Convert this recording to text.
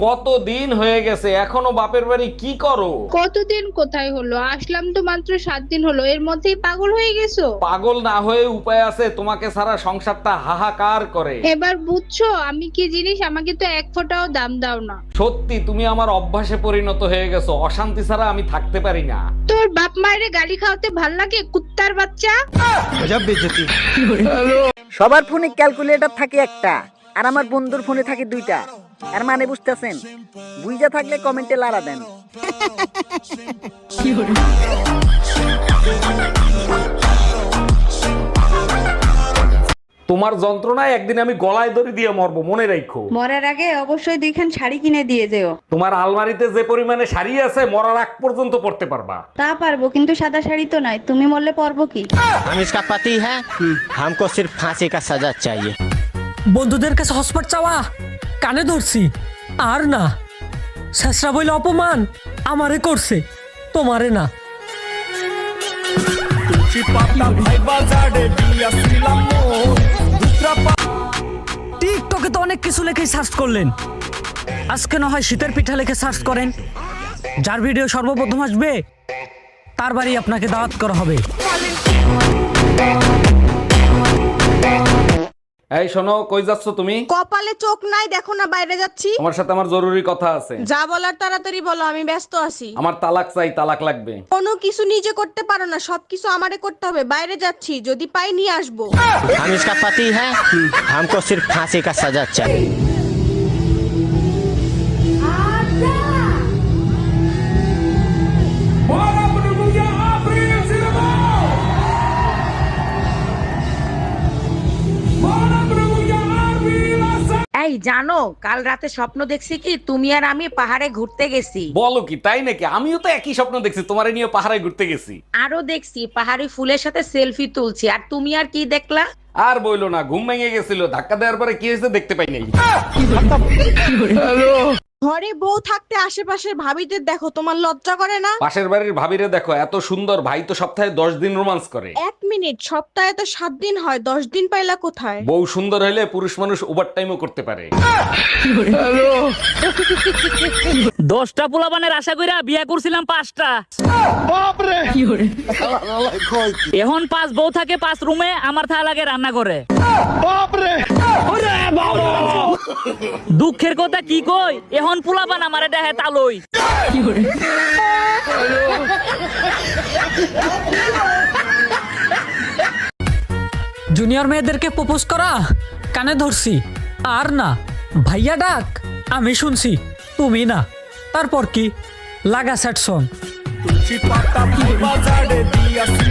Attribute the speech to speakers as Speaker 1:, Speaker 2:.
Speaker 1: কতদিন হয়ে গেছে এখনো বাপের বাড়ি কি করো?
Speaker 2: কতদিন কোথায় হলো, আসলাম তো মাত্র 7 দিন হলো, এর মধ্যেই পাগল হয়ে গেছো?
Speaker 1: পাগল না হয়ে উপায় আছে? তোমাকে ছাড়া সংসারটা হাহাকার করে।
Speaker 2: এবার বুঝছো আমি কি জিনিস? আমাকে তো এক ফোঁটাও দাম দাও না।
Speaker 1: সত্যি তুমি আমার অভ্যাসে পরিণত হয়ে গেছো, অশান্তি ছাড়া আমি থাকতে পারি না।
Speaker 2: তোর বাপ মায়ের গালি খাওয়াতে ভাল লাগে, কুত্তার বাচ্চা।
Speaker 3: সবার ফোনে ক্যালকুলেটর থাকে একটা, আর আমার বন্ধুর ফোনে থাকে দুইটা। আর মানে বুঝতেছেন? বুঝা থাকলে কমেন্টে লাড়া দেন।
Speaker 1: তোমার যন্ত্রণায় একদিন আমি গলায় দড়ি দিয়ে মরবো, মনে রাখো।
Speaker 4: মরার আগে অবশ্যই দুইখান শাড়ি কিনে দিয়ে যেও।
Speaker 1: তোমার আলমারিতে যে পরিমাণে শাড়ি আছে মরার আগ পর্যন্ত পড়তে পারবা।
Speaker 4: তা পারবো, কিন্তু সাদা শাড়ি তো নাই। তুমি মরলে পরবো কি?
Speaker 5: हम इसका पति है, हमको सिर्फ फांसी का सजा चाहिए।
Speaker 6: বন্ধুদের কাছে হসপিটাল চাওয়া কানে ধরছি, আর না শেষরা বইলে অপমান আমারে করছে, তোমারে না। টিকটকে তো অনেক কিছু লেখে সার্চ করলেন, আজকে না হয় শীতের পিঠা লেখে সার্চ করেন। যার ভিডিও সর্বপ্রথম আসবে তার বাড়ি আপনাকে দাওয়াত করা হবে।
Speaker 1: এই শোনো, কই যাচ্ছ তুমি?
Speaker 7: কপালে চোখ নাই, দেখো না বাইরে যাচ্ছি।
Speaker 1: তোমার সাথে আমার জরুরি কথা আছে।
Speaker 7: যা বলার তাড়াতাড়ি বলো, আমি ব্যস্ত আছি।
Speaker 1: আমার তালাক চাই, তালাক লাগবে।
Speaker 7: কোনো কিছু নিজে করতে পারো না, সবকিছু আমারে করতে হবে। বাইরে যাচ্ছি, যদি পাই নিয়ে আসবো।
Speaker 5: हम इसका पति है, हमको सिर्फ फांसी का सजा चाहिए।
Speaker 8: এই জানো, কাল রাতে স্বপ্ন দেখছি কি তুমি আর আমি পাহাড়ে ঘুরতে গেছি।
Speaker 1: বলো কি, তাই নাকি? আমিও তো একই স্বপ্ন দেখছি, তোমারে নিয়ে পাহাড়ে ঘুরতে গেছি।
Speaker 8: আরো দেখছি পাহাড়ি ফুলের সাথে সেলফি তুলছি। আর তুমি আর কি দেখলা?
Speaker 1: আর বইলো না, ঘুম ভেঙে গেছিল, ধাক্কা দেওয়ার পরে কি হয়েছে দেখতে পাই নাই।
Speaker 7: ঘরে বউ থাকতে আশেপাশের ভাবিদের দেখো, তোমার লজ্জা করে না?
Speaker 1: পাশের বাড়ির ভাবিরে দেখো, এত সুন্দর, ভাই তো সপ্তাহে 10 দিন রোমান্স করে।
Speaker 7: 1 মিনিট, সপ্তাহে তো 7 দিন হয়, 10 দিন পাইলা কোথায়?
Speaker 1: বউ সুন্দর হইলে পুরুষ মানুষ ওভার টাইমও করতে পারে।
Speaker 6: 10টা পোলাপানের আশা কইরা বিয়া করছিলাম 5টা। এখন 5 বউ থাকে 5 রুমে, আমার থা লাগে রান্না করে। দুঃখের কথা কি কই, এখন পোলাপান আমারে দেহে তালই। জুনিয়র মেয়েদেরকে প্রপোজ করা কানে ধরছি, আর না ভাইয়া ডাক আমি শুনছি, তুমি না। তারপর কি লাগা সেট সং।